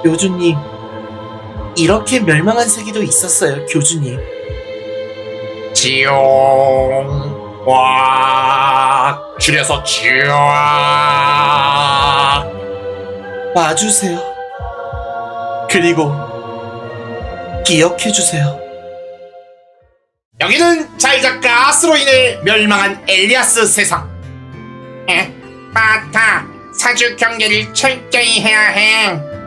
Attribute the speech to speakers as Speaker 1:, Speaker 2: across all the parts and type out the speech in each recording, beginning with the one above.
Speaker 1: 교주님, 이렇게 멸망한 세계도 있었어요, 교주님.
Speaker 2: 지용 와 줄여서 지용.
Speaker 1: 와주세요. 그리고 기억해주세요.
Speaker 2: 여기는 자이자 가스로 인해 멸망한 엘리아스 세상. 마타, 사주 경계를 철저히 해야 해.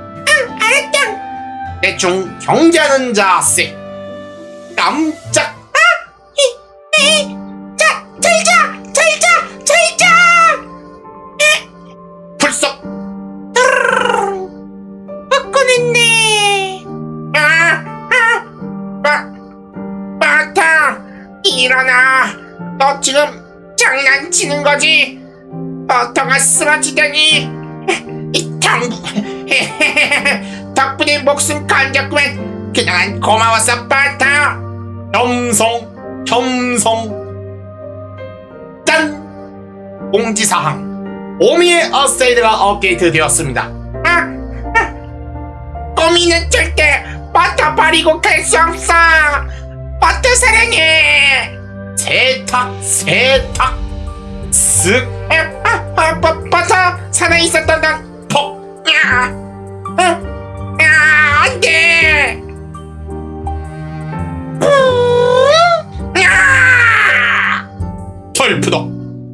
Speaker 2: 알았다. 대충 경계하는 자세. 깜짝. 잘자. 불속. 바꿔냈네. 마타, 일어나. 너 지금 장난치는 거지? 버터가 쓰러지다니. 이 당부. 덕분에 목숨 건졌구만. 그동안 고마웠어, 바타. 겸성. 짠! 공지사항. 오미의 어세이드가 업데이트 되었습니다. 꼬미는 절대 버터 버리고 갈 수 없어. 버터 사랑해. 세탁. 쓱. 버터 살아있었던 난 폭. 안돼. 털푸덕.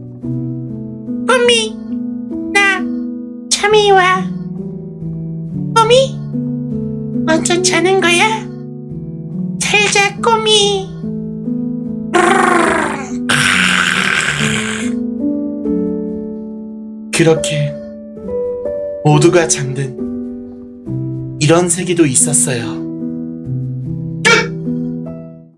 Speaker 3: 꼬미, 나 잠이 와. 꼬미, 먼저 자는 거야? 잘 자, 꼬미.
Speaker 1: 그렇게 모두가 잠든 이런 세계도 있었어요.